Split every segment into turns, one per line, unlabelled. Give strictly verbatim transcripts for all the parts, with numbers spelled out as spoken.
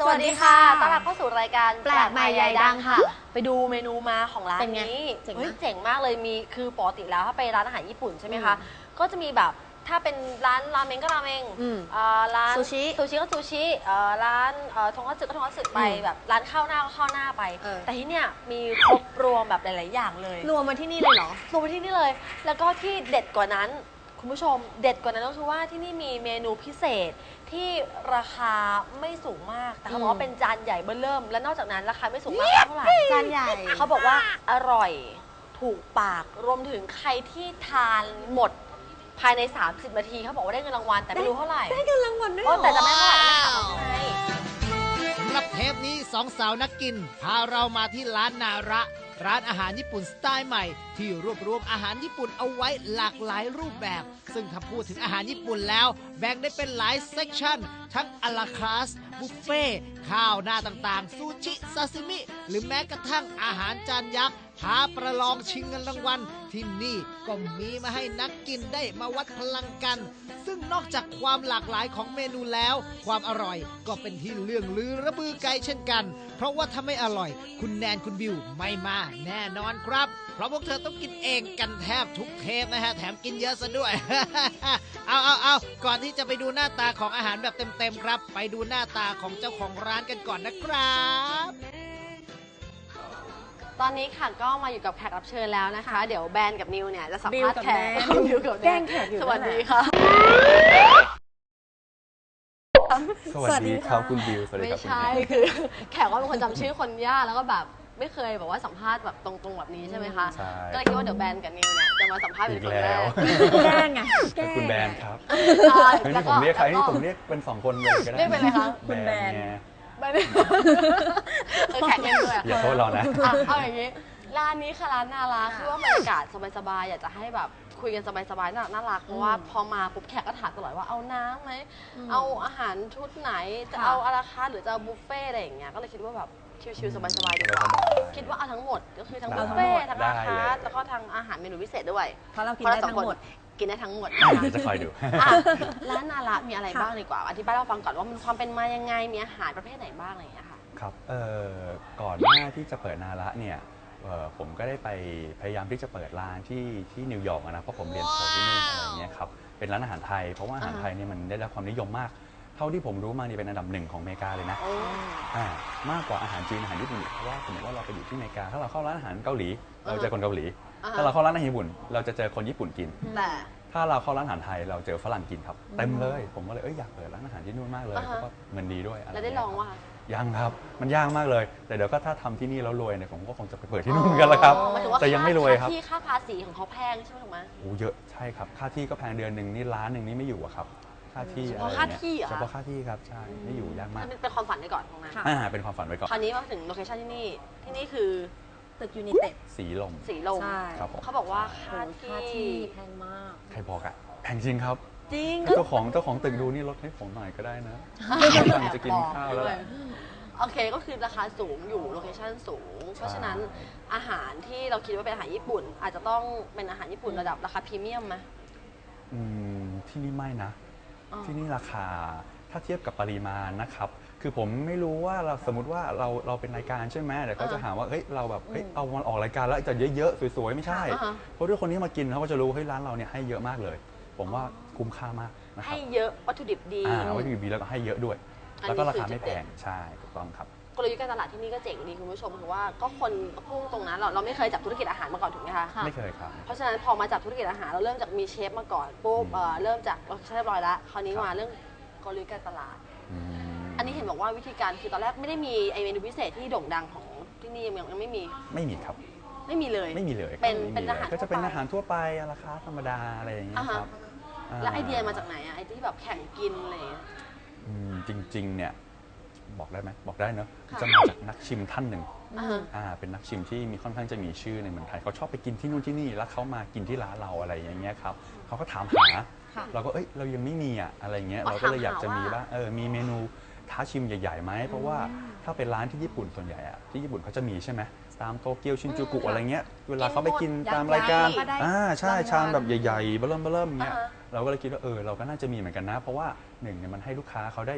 สวัสดีค่ะต้อนรับเข้าสู่รายการ
แปลกใหม่ใหญ่ดังค่ะ
ไปดูเมนูมาของร้านนี้เฮ้ยเจ๋งมากเลยมีคือปกติแล้วถ้าไปร้านอาหารญี่ปุ่นใช่ไหมคะก็จะมีแบบถ้าเป็นร้านราเมงก็ราเมงร้าน
ซูชิ
ซูชิก็ซูชิร้านทงคัตสึก็ทงคัตสึไปแบบร้านข้าวหน้าก็ข้าวหน้าไปแต่ที่เนี่ยมีครบรวมแบบหลายๆอย่างเลย
รวมมาที่นี่เลยเหรอ
รวมมาที่นี่เลยแล้วก็ที่เด็ดกว่านั้นคุณผู้ชมเด็ดกว่านั้นก็คือว่าที่นี่มีเมนูพิเศษที่ราคาไม่สูงมากแต่เขาบอกว่าเป็นจานใหญ่เบ้อเริ่มและนอกจากนั้นราคาไม่สูงมากเท่าไหร่
จานใหญ่
เขาบอกว่าอร่อยถูกปากรวมถึงใครที่ทานหมดภายในสามสิบนาทีเขาบอกว่าได้เงินรางวัลแต่ไม่รู้เท่าไหร่
ได้เงินรางวัลด้วยเหรอ
แต่จะไม่เท่าไหร่ไม่ถามว่าไง
สำหรับเทปนี้สองสาวนักกินพาเรามาที่ร้านนาระร้านอาหารญี่ปุ่นสไตล์ใหม่ที่รวบรวมอาหารญี่ปุ่นเอาไว้หลากหลายรูปแบบซึ่งถ้าพูดถึงอาหารญี่ปุ่นแล้วแบ่งได้เป็นหลายเซกชันทั้งอลาคาสบุฟเฟ่ข้าวหน้าต่างๆซูชิซาซิมิหรือแม้กระทั่งอาหารจานยักษ์ท้าประลองชิงเงินรางวัลที่นี่ก็มีมาให้นักกินได้มาวัดพลังกันซึ่งนอกจากความหลากหลายของเมนูแล้วความอร่อยก็เป็นที่เรื่องลือระบือไกลเช่นกันเพราะว่าถ้าไม่อร่อยคุณแนนคุณบิวไม่มาแน่นอนครับเพราะพวกเธอต้องกินเองกันแทบทุกเทปนะฮะแถมกินเยอะซะด้วย เอาเอาเอาก่อนที่จะไปดูหน้าตาของอาหารแบบเต็มๆครับไปดูหน้าตาของเจ้าของร้านกันก่อนนะครับ
ตอนนี้ค่ะก็มาอยู่กับแขกรับเชิญแล้วนะคะเดี๋ยวแบนกับนิวเนี่ยจะสัมภาษณ์แขก
บิวกับแกล้งแขกอยู่
สวัสดีค่ะ
สวัสดีครับคุณบิวสวัสดีครับ
ไม่ใช่คือแขกว่าเป็นคนจำชื่อคนยากแล้วก็แบบไม่เคยแบบว่าสัมภาษณ์แบบตรงๆแบบนี้ใช่ไหมคะก็เลยคิดว่าเดี๋ยวแบนกับนิวเนี่ยจะมาสัมภาษณ์เป็นคนแรก
แกล้งไง
คุณแบนครับนี่ผมเรียกใครนี่ผมเรียกเป็นสองคนเลยก็ได้
เรียกเป็นอะไรคะ
คุณแบน
แบนแขกเล่นด้วย
อย่าโทษเรานะ
เอาอย่างนี้ร้านนี้ค่ะร้านนาราคือว่าบรรยากาศสบายๆอยากจะให้แบบคุยกันสบายๆน่ารักเพราะว่าพอมาปุ๊บแขกก็ถามตลอดว่าเอาน้ำไหมเอาอาหารชุดไหนจะเอาอาราคาร์หรือจะเอาบุฟเฟ่อะไรอย่างเงี้ยก็เลยคิดว่าแบบชิลๆสบายๆดีกว่าคิดว่าเอาทั้งหมดก็คือทั้งบุฟเฟ่ทั้งอาราคาร์แล้วก็ทั้งอาหารเมนูพิเศษด้วย
เพราะเรากินได้ทั้งหมด
กินได้ทั้งหมด
จะคอยดู
ร้านนารามีอะไรบ้างดีกว่าอธิบายเราฟังก่อนว่ามันความเป็นมายังไงมีอาหารประเภทไหนบ้างอะไรอย่างเงี้ยค่ะ
ครับเอ่อก่อนหน้าที่จะเปิดนาระเนี่ยผมก็ได้ไปพยายามที่จะเปิดร้านที่ที่นิวยอร์กนะเพราะผมเรียนโทที่นู่นอะไรเงี้ยครับเป็นร้านอาหารไทยเพราะว่าอาหารไทยเนี่ยมันได้รับความนิยมมากเท่าที่ผมรู้มานี่เป็นอันดับหนึ่งของอเมริกาเลยนะมากกว่าอาหารจีนอาหารญี่ปุ่นเพราะว่าสมมติว่าเราไปอยู่ที่อเมริกาถ้าเราเข้าร้านอาหารเกาหลีเราเจอคนเกาหลีถ้าเราเข้าร้านอาหารญี่ปุ่นเราจะเจอคนญี่ปุ่นกิน
แต่
ถ้าเราเข้าร้านอาหารไทยเราเจอฝรั่งกินครับเต็มเลยผมก็เลยเอ้ยอยากเปิดร้านอาหารที่นู่นมากเลยเพราะว่าเงินดีด้วย
แล้วได้ลองว่า
ยังครับมันยากมากเลยแต่เดี๋ยวก็ถ้าทำที่นี่แล้วรวยเนี่ยผมก็คงจะไปเปิดที่นู่นกันแล้วครับแต่ยังไม่รวยครับ
ที่ค่าภาษีของเขาแพงใช่ไหมถูกไหม
โอ้เยอะใช่ครับค่าที่ก็แพงเดือนหนึ่งนี่ล้านหนึ่งนี่ไม่อยู่อะครับค่าที่
เฉพาะค่าที่
เฉพาะค่าที่ครับใช่ไม่อยู่ยากมาก
เป็นความฝันไว้ก่อนตรงนั้น
อ่าเป็นความฝันไว้ก่อน
คราวนี้มาถึงโลเคชั่นที่นี่ที่นี่คือ
ตึกยูนิเต็ด
สีลม
สีลม
ครับผม
เขาบอกว่าค่าที่
แพงมาก
ใครบอกอะแพงจริงครับ
จริง
เจ้าของเจ้าของตึกดูนี่ลดให้ผมหน่อยก็ได้นะกำลังจะกินข้าวแล้ว
โอเคก็คือราคาสูงอยู่โลเคชั่นสูงเพราะฉะนั้นอาหารที่เราคิดว่าเป็นอาหารญี่ปุ่นอาจจะต้องเป็นอาหารญี่ปุ่นระดับราคาพรีเมียมไหม
อืมที่นี่ไม่นะที่นี่ราคาถ้าเทียบกับปริมาณนะครับคือผมไม่รู้ว่าเราสมมติว่าเราเราเป็นรายการใช่ไหมเดี๋ยวเขาจะหาว่าเฮ้ยเราแบบเฮ้ยเอามันออกรายการแล้วจะเยอะๆสวยๆไม่ใช่เพราะด้วยคนที่มากินเขาก็จะรู้เฮ้ยร้านเราเนี่ยให้เยอะมากเลยผมว่าคุ้มค่ามากนะครับ
ให้เยอะวัตถุดิบดี
อ่าวัตถุดิบดีแล้วก็ให้เยอะด้วยแล้วก็ราคาไม่แพงใช่ถูกต้องครับ
กลยุทธ์การตลาดที่นี่ก็เจ๋งดีคุณผู้ชมคือว่าก็คนพุ่งตรงนั้นเราเราไม่เคยจับธุรกิจอาหารมาก่อนถูกไหมคะ
ไม่เคยครับ
เพราะฉะนั้นพอมาจับธุรกิจอาหารเราเริ่มจากมีเชฟมาก่อนปุ๊บเริ่มจากเราเรียบร้อยแล้วคราวนี้มาเรื่องกลยุทธ์การตลาดอันนี้เห็นบอกว่าวิธีการคือตอนแรกไม่ได้มีไอเมนูพิเศษที่โด่งดังของที่นี่ยังยังไม่มี
ไม่มีครับ
ไม่มีเลย
ไม่มีเลย
เป็นเป็นอาหาร
ก็จะเป็นอาหารทั่วไปราคาธรรมดาอะไรอย่างเงี้ยครับ
แล้วไอเดียมาจากไหนอะไอที่แบบแข่งกินอะไร
จริงๆเนี่ยบอกได้ไหมบอกได้เนอะจะมาจากนักชิมท่านหนึ่งอ่าเป็นนักชิมที่มีค่อนข้างจะมีชื่อในเมืองไทยเขาชอบไปกินที่นู่นที่นี่แล้วเขามากินที่ร้านเราอะไรอย่างเงี้ยครับเขาก็ถามหาเราก็เอ้ยเรายังไม่มีอ่ะอะไรเงี้ยเราก็เลยอยากจะมีว่าเออมีเมนูท้าชิมใหญ่ๆไหมเพราะว่าถ้าเป็นร้านที่ญี่ปุ่นส่วนใหญ่อะที่ญี่ปุ่นเขาจะมีใช่ไหมตามโตเกียวชินจูกุอะไรเงี้ยเวลาเขาไปกินตามรายการอ่าใช่ชามแบบใหญ่ๆเบิ่มเบิ่มเงี้ยเราก็เลยคิดว่าเออเราก็น่าจะมีเหมือนกันนะเพราะว่าหนึ่งเนี่ยมันให้ลูกค้าเขาได้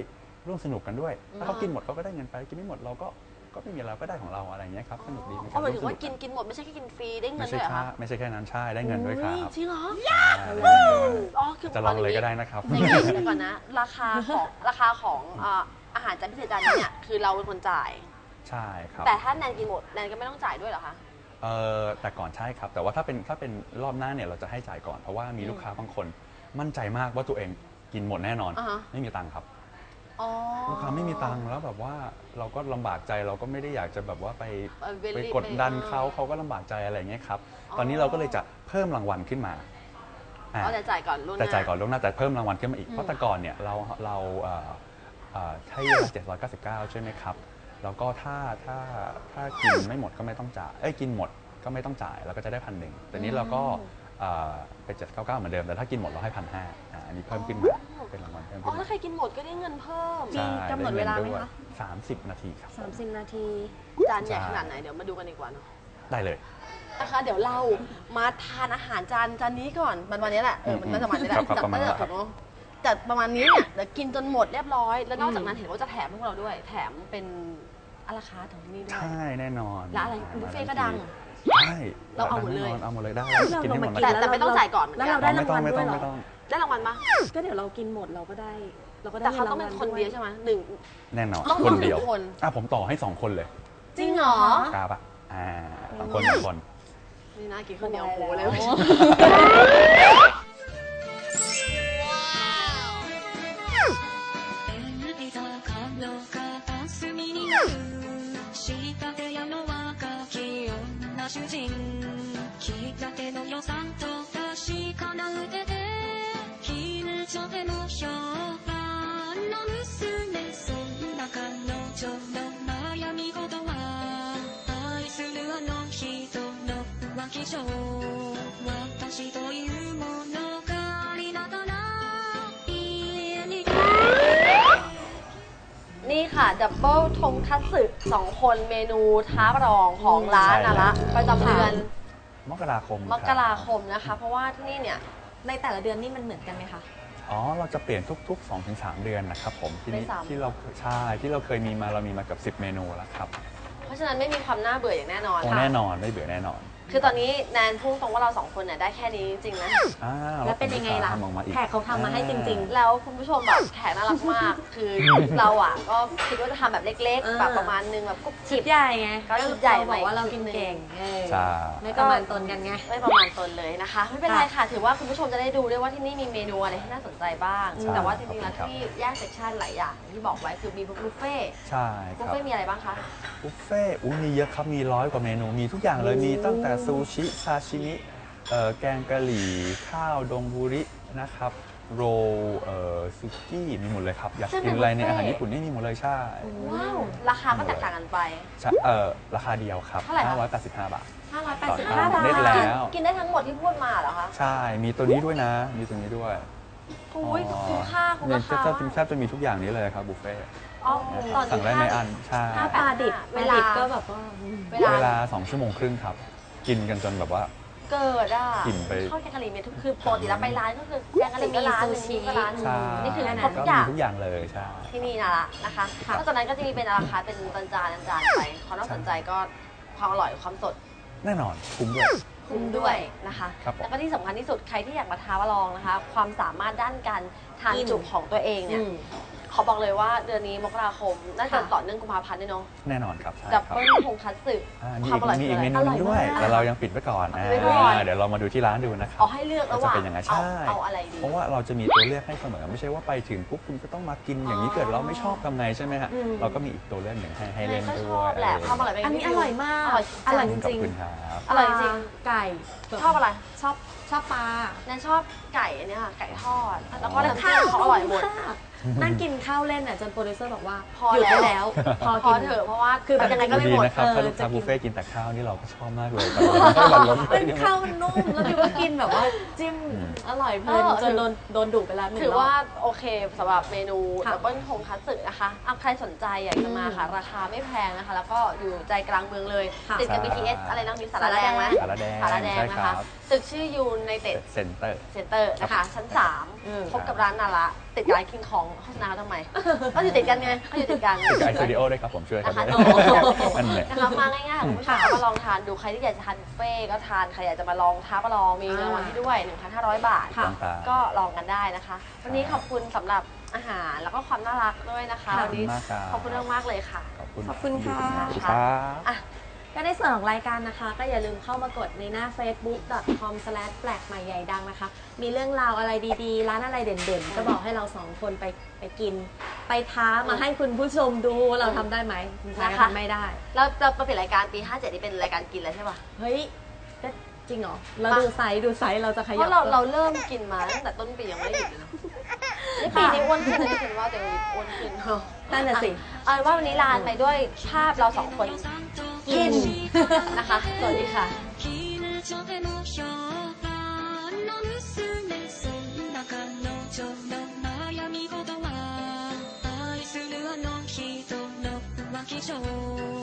ร่วมสนุกกันด้วยถ้าเขากินหมดเขาก็ได้เงินไปกินไม่หมดเราก็ก็ไม่มีเราก็ได้ของเราอะไรอย่างเงี้ยครับสนุกดี
อ๋อหมายถึงว่ากินกินหมดไม่ใช่แค่กินฟรีได้เงิ
ไม่
น
ใช่
ด้วยเหรอ
แค่
คะ
ไม่ใช่แค่นั้นใช่ได้เงินด้วยครับ
จริงเหรอ
ใช่
อ๋อคือ
จะลองเลยก็ได้นะครับ
ในเกมก่อนนะราคาของราคาของอ่าอาหารจานพิเศษจานนี้เนี่ยคือเราเป็นคนจ่าย
ใช่ครับ
แต่ถ้าแนนกินหมดแนนก็ไม่ต้องจ่ายด้วยเหรอคะ
เออแต่ก่อนใช่ครับ แต่ว่าถ้าเป็นถ้าเป็นรอบหน้าเนี่ยเราจะให้จ่ายก่อนเพราะว่ามีลูกค้าบางคนมั่นใจมากว่าตัวเองกินหมดแน่นอน
อ่าฮะ
ไม่มีตังค์ครับ
อ๋อ
ลูกค้าไม่มีตังค์แล้วแบบว่าเราก็ลำบากใจเราก็ไม่ได้อยากจะแบบว่าไป
เอ่อ very
ไปกดดัน
ไป
เขาเขาก็ลำบากใจอะไรอย่างเงี้ยครับ
อ๋อ
ตอนนี้เราก็เลยจะเพิ่มรางวัลขึ้นมาอ่า
เอาแต่จ่ายก่อนล่วงหน้า
แต่จ่ายก่อนล่วงหน้าแต่เพิ่มรางวัลขึ้นมาอีก
อืม
เพราะแต่ก่อนเนี่ยเราเราเอ่อเอ่อให้เจ็ดร้อยเก้าสิบเก้าใช่ไหมครับแล้วก็ถ้าถ้าถ้ากินไม่หมดก็ไม่ต้องจ่ายเอ้ยกินหมดก็ไม่ต้องจ่ายเราก็จะได้พันหนึ่งแต่นี้เราก็เอ่อเป็นเจ็ดร้อยเก้าสิบเก้าเหมือนเดิมแต่ถ้ากินหมดเราให้พันห้าอันนี้เพิ่มขึ้นมาเป็นรางวัลเพิ่ม
อ๋
ขึ้
อน ถ้า
มา
ใครกินหมดก็ได้เงินเพิ่ม
มีกำหนดเวลาไหมคะ
สามสิบนาทีครับ
สามสิบนาที
จานใหญ่ขนาดไหนเดี๋ยวมาดูกันดีกว่าเนาะ
ได้เลย
นะคะเดี๋ยวเรามาทานอาหารจานจานนี้ก่อนมันวันนี้แหละเออมันน่าจะประมาณนี้แหละ
ครับครับ
จัด
ประมาณ
ตั้ง
นั้
แต่
นครับ
เนาะจัดประมาณนี้เนี่ยเดี๋ยวกินจนหมดเรียบร้อย แล้วนอกจากนั้นเห็นว่าจะแถมพวกเราด้วย แถมเป็นอาราคาร์ทของที่นี่ด้วย
ใช่แน่นอน
แล้วอะไรบุฟเฟ่ต์ก็ดัง
ใช่
เราเอาหมดเลย
แน่นนเอาหมดเลยได้
เรา
กินให้หมด
ลงมา
นะ
กิ
แต่
น
แต่ไม่ต้องจ่ายก่อนเหมือน
แล้ว
กั
เรา
น
ได้
ไม่
ราง
ต้อง
วัล
ไม่
ด้
ต้
ว
อย ง
เหรอ
ไม่ต้อง
ได้รางวัลปะ
ก็เดี๋ยวเรากินหมดเราก็ได้ เราก็ได้
แต่เขา
งิ
ต้องเป็นคนเดียวใช่ไหมหนึ่ง
แน่นอน
ต้อง
คนเดียว
หนึ่งคน
อ่ะผมต่อให้สองคนเลย
จริงเหรอ
กล้าปะอ่าสองคนสองคน
นี่น่ากินข้าวเหนียวหมูเลย
江の片隅になる仕立て屋の若き女主人切ったての予算と確かな腕で絹ちょでも評判の娘そんな彼女の悩み事は愛するあの人の浮気性私というものがありながら家に
นี่ค่ะดับเบิลทงคัตสึสองคนเมนูท้าประลองของร้านนะละประจำเดือน
มกราคม
มกราคมนะคะ เพราะว่าที่นี่เนี่ย
ในแต่ละเดือนนี่มันเหมือนกันไหมคะ
อ๋อเราจะเปลี่ยนทุกๆ สองถึงสาม เดือนนะครับผมที่นี่
ในสาม
ที่เราใช่ที่เราเคยมีมาเรามีมาเกับสิบเมนูแล้วครับ
เพราะฉะนั้นไม่มีความน่าเบื่ออย่างแน่นอน
โอ้
ค่ะ
แน่นอนไม่เบื่อแน่นอน
คือตอนนี้แนนพูดตรงว่าเราสองคนเนี่ยได้แค่นี้จริงๆนะ
อ่า
แล้วเป็นยังไงล่ะ
ทำออกมาอีก
แขกเขาทำมาให้จริง
แล้วคุณผู้ชมแบบแขกน่ารักมาก คือเราอ่ะก็คิดว่าจะทำแบบเล็ก
เอ
ๆ
อ
แบบประมาณนึงแบบกุ๊บ
ๆ
จิ
ชุ
บ
ดใหญ่ไง
ก็ชุดใหญ่
เราบอกว่าเรา
ใหม่
กินเก่งเออ
ใช่
ไม่ประมาณตนกันไง
ไม่ประมาณตนเลยนะคะ ไม่เป็นไรค่ะ ถือว่าคุณผู้ชมจะได้ดูด้วยว่าที่นี่มีเมนูอะไรที่น่าสนใจบ้าง
ใช่
แต่ว่าจริงๆแล้ว
ครับ
ที่แยกเซกชันหลายอย่างที่บอกไว้คือมีบุฟเฟ่ต์
ใช่ค
บุฟ
รับ
เฟ่ต์มีอะไรบ้างคะ
บุฟเฟ่ต์อุ้ยมีเยอะครับมีร้อยกว่าเมนูมีทุกอย่างเลยมีตั้งแต่ซูชิซาชิมิเอ่อแกงกะหรี่ข้าวดงบุรินะครับโรลเอ่อซุกี้มีหมดเลยครับอยาก
ซึ่ง
กินอะไรใน
เป็นบุฟเฟ่ต์
อาหารญี่ปุ่นนี่มีหมดเลยใช่
ว้าวราคาก็แตกต่างกันไป
ใช่เอ่อราคาเดียวครับ
เท่าไหร่คะ
ห้าร้อยแปดสิบห้าบาท
ห้าร้อยแปด
ต่อ
สิบ
ทา
ห้าน บาท
เน็ตแล้ว
กินได้ทั้งหมดที่พูดมาเหรอคะ
ใช่ มีตัวนี้ด้วยนะ มีตัวนี้ด้วย
อุ้ยคุ้มค่าคุ้ม
เนี่ย
ราคา
จะจะแทบจะมีทุกอย่างนี้เลยครับบุฟเฟ่ต์
อ๋อตอน
สั่งได้
นี้
ในอันใช่
ห้า
ปลาดิบ
เว
ปลา
ลา
ดิบก็แบบว่าอืม
เวลา
เวลาสองชั่วโมงครึ่งครับ กินกันจนแบบว่า
เกิดอ่ะ
กินไป
ข้าวแกงกะหรี่มีทุกคือปกติแล้วไปร้านก็คือแกงกะหรี่ก็ร้านหนึ่ง
จะมีซูชิ
ก็ร้านหนึ่ง
ใช่
นี่คือ
แค่นั้น
ครบทุ
ก็
กอย่าง
มีทุกอย่างเลยใช่
ที่นี่นะละนะคะนอกจากนั้นก็จะมีเป็นอาราคาร์ทเป็นจานจานจานๆไปความน่าสนใจก็ความอร่อยความสด
แน่นอนคุ้มด้วย
คุ้มด้วยนะคะ
ครับผม
แล้วก็ที่สำคัญที่สุดใครที่อยากมาท้ามาลองนะคะ ความสามารถด้านการทาน
กิน
จุของตัวเองเนี่ย
อืม
ขอบอกเลยว่าเดือนนี้มกราคมน่าจะ
ค่ะ
ต่อเนื่องกุมภาพันธ์ด้วยเนาะ
แน่นอนครับใช่
ดับ
ครับ
เบิลทงคัตสึ
อ่ามี
ความอร่อย
อีกมี
คือ
อีก
อะไร
เมนูหนึงด้วย
อร่อยมาก
แต่เรายังปิดไว้ก่อน
ปิดไว้ก่อน
อ่าเดี๋ยวเรามาดูที่ร้านดูนะครับ
เอาให้เลือกระหว่าง
จะเป็นยังไง
เอา
ใช่
เอาอะไรดี
เพราะว่าเราจะมีตัวเลือกให้เสมอไม่ใช่ว่าไปถึงปุ๊บคุณก็ต้องมากินอย่างนี้
อ๋อ
เกิดเราไม่ชอบทำไงใช่ไหมฮะ
อืม
เราก็มีอีกตัวเลือกหนึ่งให้ให้
แน
เล่
น
น
ก็
ด้
ช
ว
อย บแหละความอร่อยเป็น
อันนี้อร่อยมาก
อร่อย
อร่อยจ
ขอบ
ริง
คุณครับ
อร่อยจริง
ไก่
ชอบอะไร
ชอบชอบปลา
แนนชอบไก่อันเนี้ยค่ะไก่ทอด แล้วก็
แล้ว
น้ำจิ้มเขาอร่อยหมด
นั่งกินข้าวเล่นอ่ะจนโปรดิวเซอร์บอกว่า
พอ
หยุดได้
แล้
แล้ว ว พอ
พ
กิ
อน เถอะเพราะว่า
คือแบบ
ยังไงก็ไม่
ดี
หมด
นะครับ
เออ
ถ้าลูก
จะ
ค้า
กิน
บุฟเฟ่ต์กินแต่ข้าวนี่เราก็ชอบมากเลยแต่เราไม่หวั่นล้มไป
เป็น
เดี๋ยว
ข้าวมันนุ่มแล้วดิวก็กินแบบว่าจิ้ม
อืม
อร่อยเพลิน
เออ
จนโดนโดนดุไปแล้วหนึ่ง
ถือ
รอบ
ว่าโอเคสำหรับเมนู
ค่ะ
ดับเบิลทงคัตสึนะคะอ่ะใครสนใจอยากจะมาค่ะ ราคาไม่แพงนะคะ แล้วก็อยู่ใจกลางเมืองเลย
ค่ะ
ติดกับ บี ที เอส อะไรนะมีสารแดงไหม
สารแดง
สารแดง
ใช่
นะ
ครั
คะ
บ
ตึกชื่อยูไนเต็ด
เซ็นเตอร์
เซ็นเตอร์นะคะ ชั้นสาม
อืม
พบกับร้านนาระติดร้านคิงของโฆษณาเขาทำไมก็อยู่ติดกันไงก็อยู่ติดกัน
ติดกับไอสตูดิโอด้วยครับผมช่วยกัน
นะคะ
ด้วย
โอ้
นั่นแหละ
นะคะมาง่ายๆคุณผู้ชมก็ลองทานดูใครที่อยากจะทานบุฟเฟ่ต์ก็ทานใครอยากจะมาลองท้าประลองมีรางวัลให้ด้วย หนึ่งพันห้าร้อย บาท
ค่ะ
ก็ลองกันได้นะคะ วันนี้ขอบคุณสำหรับอาหารแล้วก็ความน่ารักด้วยนะคะ
ขอบ
วัน
คุณ
นี้
มากครับ
ขอบคุณมากๆเลยค่ะ
ขอบคุณ
ขอบคุณค่ะ
ขอบคุณครับ
อ่ะ
ก็ในส่วนของรายการนะคะ ก็อย่าลืมเข้ามากดในหน้า เฟซบุ๊ก ดอท คอม สแลช แปลกใหม่ใหญ่ดังนะคะ มีเรื่องราวอะไรดีๆ ร้านอะไรเด่นๆ ก็บอกให้เราสองคนไปไปกิน ไปท้ามาให้คุณผู้ชมดูว่าเราทำได้ไหมคุณชายก็
นะคะ
ทำไม่ได้
แล้วเรามาปิดรายการปีห้าเจ็ดนี่เป็นรายการกินแล้วใช่ปะ
เฮ้ยก็จริงเหรอ เราดูไซส์ดูไซส์เราจะข
เพ
ยับ
ราะเราเราเริ่มกินมาตั้งแต่ต้นปียังไม่ได้หยุดเลยนะนี่ปีนี้อ้วนขึ้นนะที่ฉันว่าแต่วันนี้อ้วนขึ้นเนอะ
นั่นน่ะสิ
เอาเป็นว่าวันนี้ลาไปด้วยภาพเราสองคนกินนะคะ สวัสดีค่ะ
近所でも評判の娘そんな彼女の悩み事は愛するあの人の浮気上